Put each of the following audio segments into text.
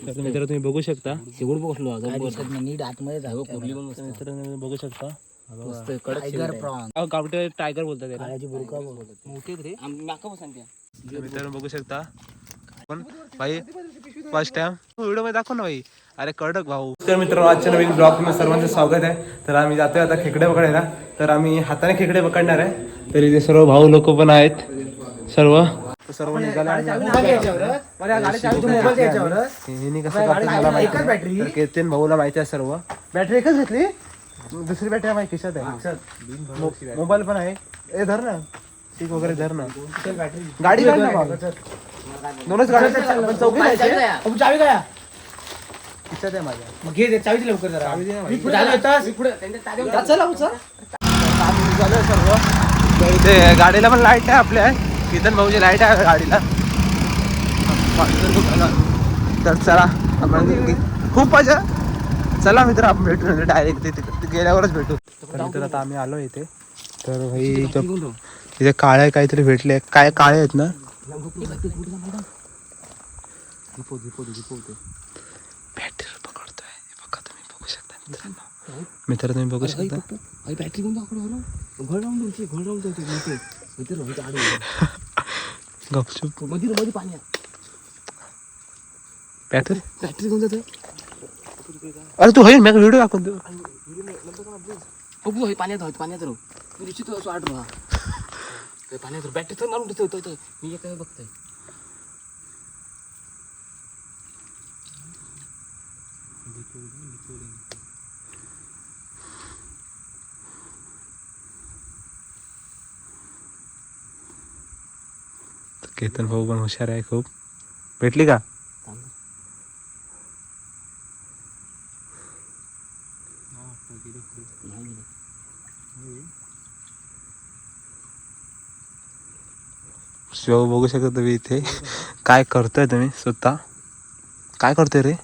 तर मित्र तुम्ही बघू शकता शेगुड बसलो नीट आतमध्ये जाऊ कुठली पण मस्त मित्रांनो बघू शकता मस्त टायगर प्रॉन गावठे टायगर बोलतात त्याला. काळ्याची बुरका बोलतात मोठे रे नाका बसंत्या तर मित्रांनो बघू शकता पण भाई फर्स्ट टाइम व्हिडिओ मध्ये दाखव ना भाई. अरे कडक भाऊ. तर मित्रांनो आजच्या नवीन ब्लॉग मध्ये सर्वांचं स्वागत आहे. तर आम्ही जातोय आता खेकडे पकडायला. तर आम्ही हाताने खेकडे पकडणार आहे. तर इथे सर्व भाऊ लोक पण आहेत सर्व निघाले. केतन भाऊला माहिती आहे सर्व. बॅटरी एकच घेतली दुसरी बॅटरी माझ्या खिशात आहे. मोबाईल पण आहे. ए धर ना सीट वगैरे धर ना. गाडी दोनच गाड्या चावी काय खिशात आहे माझ्या. मग घे चावी लवकर जरा सर्व गाडीला पण लाईट आहे आपल्या. कितन भाऊची लाईट आहे गाडीला. तर चला आपण खूप मजा. चला मित्र आपण भेटू डायरेक्ट तिथे गेल्यावरच भेटू. तर मित्र आता आम्ही आलो इथे. तर भाई इथे काळे काहीतरी भेटले. काय काळे आहेत ना. बॅटरी पकडतोय बघा तुम्ही बघू शकता मित्रांनो. मित्र तुम्ही बघू शकता. बॅटरी गपचूप मध्ये पाणी बॅटरी बॅटरी कोण जाते. अरे तू होईल मी व्हिडिओ दाखवून देऊ. पाण्यात राहू तू निश्चित आठ राहा पाण्यात बॅटरी तर मारून ठेवतो मी काय बघतोय. केतन भाऊ पण हुशार आहे खूप. भेटली का. शिव बघू शकता तुम्ही इथे काय करतोय तुम्ही स्वतः. काय करतोय रे.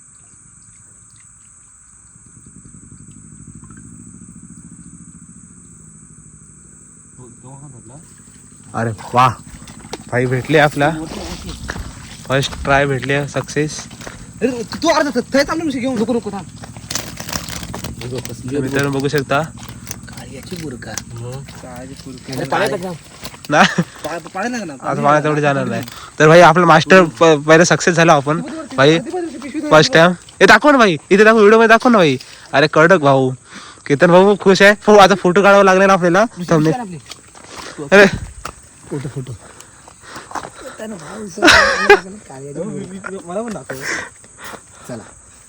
अरे वा भाई भेटले आपला फर्स्ट ट्राय भेटले सक्सेस. तू अर्धा थांबून घेऊन नको मित्रांनो बघू शकता. काळ्याची बुरका ना आता मला तेवढे जाणार नाही. तर भाई आपला मास्टर पहिला सक्सेस झाला आपण भाई फर्स्ट टाइम. हे दाखव ना भाई इथे दाखव व्हिडिओ मध्ये दाखव ना भाई. अरे कडक भाऊ. केतन भाऊ खुश आहे. आता फोटो काढावा लागणार आपल्याला. अरे फोटो मला पण दाखव. चला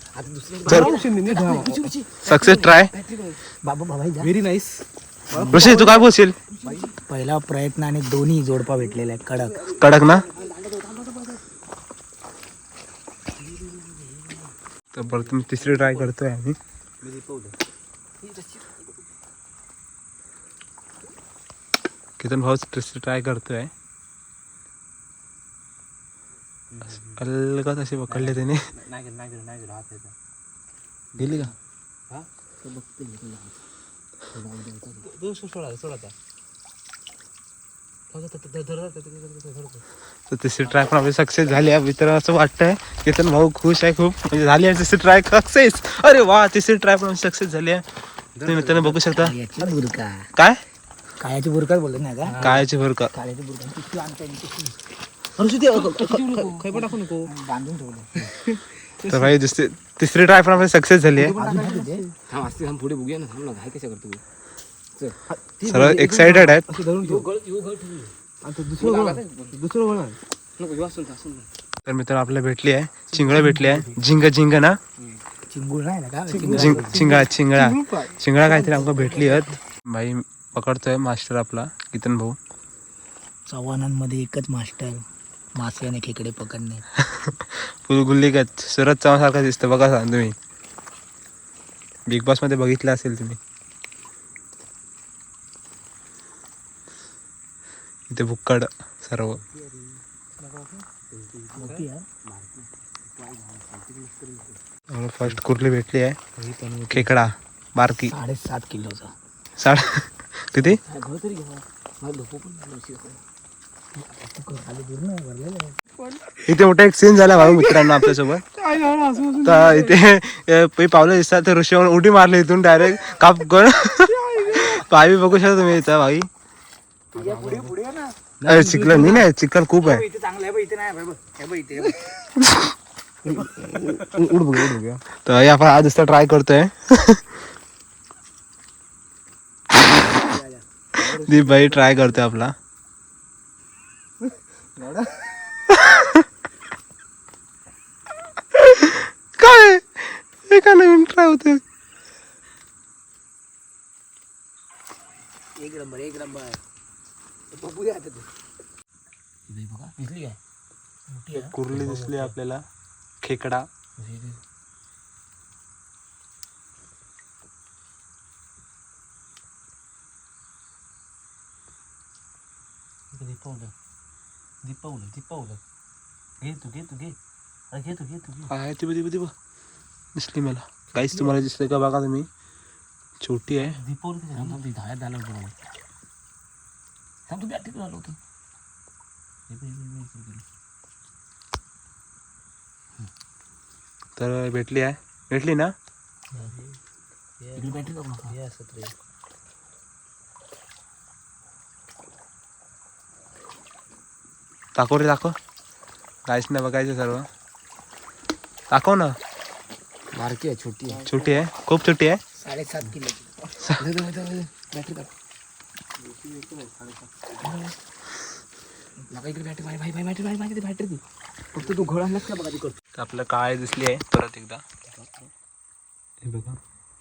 success try. Very nice. Rishi तू काय बोलशील. पहिला प्रयत्न आणि दोन्ही जोडपा भेटलेला आहे. कडक ना. तर परत मी तिसरी ट्राय करतोय आम्ही. केतन भाऊ तिसरी ट्राय करतोय. अलगत असे पकडले त्याने. गेली का. तर तिसरी ट्राय पण आपली सक्सेस झाली आहे. मित्र असं वाटतंय केतन भाऊ खुश आहे खूप. म्हणजे झाली आहे तिसरी ट्राय सक्सेस. अरे वा तिसरी ट्राय पण सक्सेस झाली आहे. तुम्ही मित्रांनो बघू शकता. काय काळ्याची बुरका बोलत नाही का. काळ्याची बुरका. काळ्याची बुरका बांधून ठेवलं. तर भाई तिसरी ट्राय पण आपली सक्सेस झाली आहे. पुढे बघूया ना. थांब ना काय कशा करतो सर्व एक्साइटेड आहेत. तर मित्र आपल्याला भेटली आहे चिंगळं भेटली आहे. झिंग ना चिंगूळ नाही ना का चिंगळा काहीतरी आमका भेटली आहेत. भाई पकडतोय मास्टर आपला केतन भाऊ. चव्हाणांमध्ये एकच मास्टर मासे आणि खेकडे पकडणे. गुल्लीगत सुरत चव्हाण सारखा दिसतं बघा सांग तुम्ही. बिग बॉस मध्ये बघितलं असेल तुम्ही. इथे भुक्कड सर्व. फर्स्ट कुर्ली भेटली आहे. खेकडा बारकी 7.5 किलोचा. 7 किती. इथे मोठा एक सीन झाला भाऊ मित्रांनो आपल्यासोबत. तर इथे पावलं दिसतात तर ऋषी उडी मारली इथून डायरेक्ट काप करून. पायी बघू शकता तुम्ही इथं भाई. अरे चिखल नाही चिखल खूप आहे. तर आपण आज असं ट्राय करतोय. दीप भाई ट्राय करतोय आपला. काय एका नवीन ट्राय होते. एक नंबर दिसली काय कुर्ली दिसली आपल्याला. खेकडा दीपवलं घे तू दिसली मला. काहीच तुम्हाला दिसले का बघा तुम्ही. छोटी आहे. दीपवलं धायात झालं होतं तू बॅटरी झालं होतं. तर भेटली ना. बॅटरी जाऊ नका. दाखव रे दाखव. काहीच नाही बघायचं सर्व. दाखव ना. बारकी आहे छोटी आहे खूप छोटी आहे. 7.5 किलो बॅटरी बॅटरी दी फक्त तू घोळ आणलास का बघा ती करतो. तर आपलं काय दिसली आहे परत एकदा. हे बघा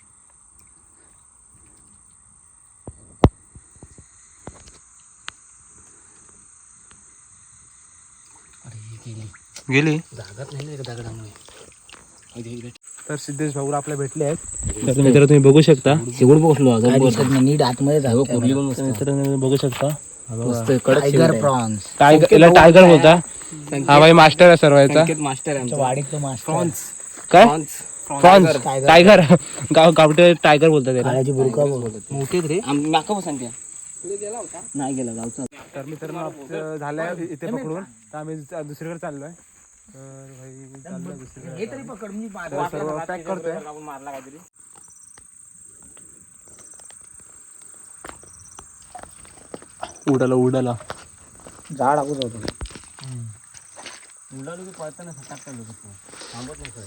गेली. जागाच नाही ना दगडामुळे. तर सिद्धेश भाऊ आपल्या भेटले आहेत. तर मित्र तुम्ही बघू शकता. शेवट बसलो नीट आतमध्ये जाऊ कुर्ली पण मित्र बघू शकता. टायगर प्रॉन्स टायगर बोलता. हा भाई मास्टर आहे सर्व याचा. मास्टर आहे आमच्या वाडीतलं मास्टर. प्रॉन्स काय प्रॉन्स टायगर गावठे टायगर बोलतात त्याला. काळ्याची बुरका बोलतात मोठे रे. माका पण सांगते नाही गेला गावचा. तर मित्रांनो झालंय इथे पकडून. तर आम्ही दुसरीकडे चाललोय. तर भाई चाललोय दुसरीकडे. हे तरी पकड मी सर्व पॅक करतोय. मारला काहीतरी. उडाला झाड आगोच होतो. उडालो की पळताना सटाकता लोक थांबत नाही.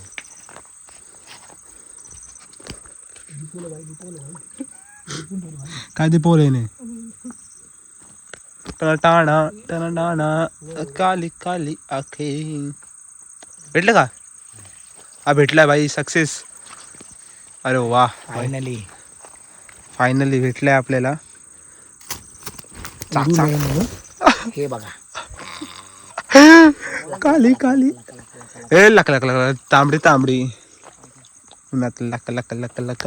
काय ते पोले टाणा काली काली आखे. भेटलं का. हा भेटलाय भाई सक्सेस. अरे वा फायनली भेटलाय आपल्याला. हे बघा काली काली ए लक तांबडी उन्हात लक.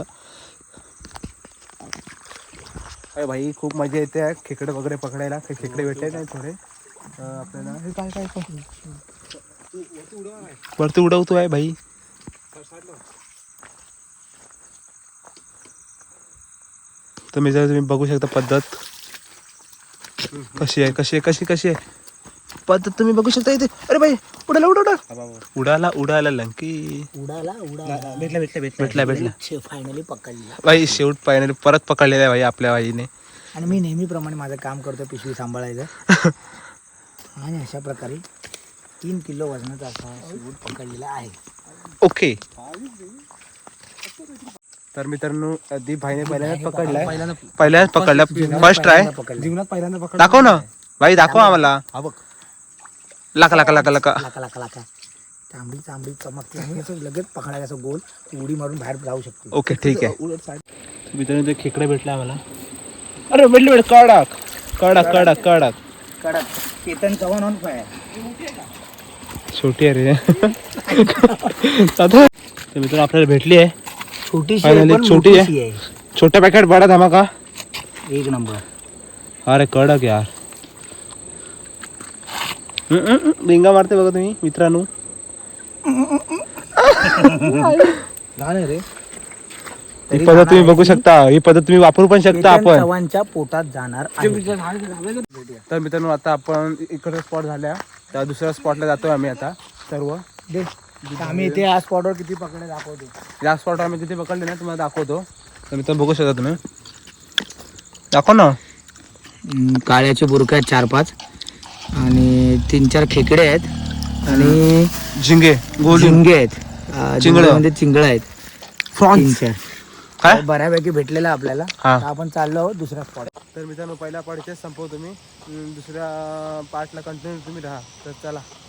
अरे भाई खूप मजा येते खेकडे वगैरे पकडायला. खेकडे भेटले नाही थोडे आपल्याला. हे काय वरती उडवतो आहे भाई. तर मी जर तुम्ही बघू शकता पद्धत कशी आहे पद्धत तुम्ही बघू शकता इथे. अरे भाई उडाला लंकी. भेटला फायनली पकडला भाई. शेवट फायनली परत पकडलेला आहे भाई आपल्या भाईने. आणि मी नेहमीप्रमाणे माझं काम करतो पिशवी सांभाळायचं. आणि अशा प्रकारे 3 किलो वजनाचा असा शेवट पकडलेला आहे. ओके. तर मित्रांनो दीप भाईने पहिल्यांदाच पकडला. फर्स्ट ट्राय जीवनात पहिल्यांदा पकड. दाखव ना भाई. दाखव आम्हाला. लका तांबडी चमकते आणि असं लगेच पकडायला असं गोल उडी मारून बाहेर जाऊ शकते. ओके ठीक आहे. मित्रांनो ते खेकडे भेटले आम्हाला. अरे भेटले कडक केतन चव्हाण ऑन फायर. छोटी आहे रे. मित्रांनो आपल्याला भेटली आहे छोटी आहे. छोटा पॅकेट बडा धमाका. एक नंबर. अरे कडक यार. रिंगा मारते बघा तुम्ही मित्रांनो. ही पद्धत तुम्ही बघू शकता. ही पद्धत तुम्ही वापरू पण शकता आपण. चव्हाणच्या पोटात जाणार. तर मित्रांनो आता आपण इकडे स्पॉट झाल्या तर दुसऱ्या स्पॉटला जातोय आम्ही आता सर्व. दे तर आम्ही इथे या स्पॉटवर किती पकडे दाखवतो. या स्पॉटवर आम्ही किती पकडले ना तुम्हाला दाखवतो. तर मित्रांनो बघू शकता तुम्ही. दाखव ना. काळ्याचे बुरके आहेत 4-5 आणि 3-4 खेकडे आहेत आणि झिंगे गोली झिंगे आहेत. चिंगळं. म्हणजे चिंगळं आहेत फ्रॉन्स 3-4. काय बऱ्यापैकी भेटलेलं आहे आपल्याला. हा. तर आपण चाललो आहोत दुसऱ्या स्पॉट. तर मित्रांनो पहिल्या पार्टचे संपव तुम्ही. दुसऱ्या पार्टला कंटिन्यू तुम्ही राहा. तर चला.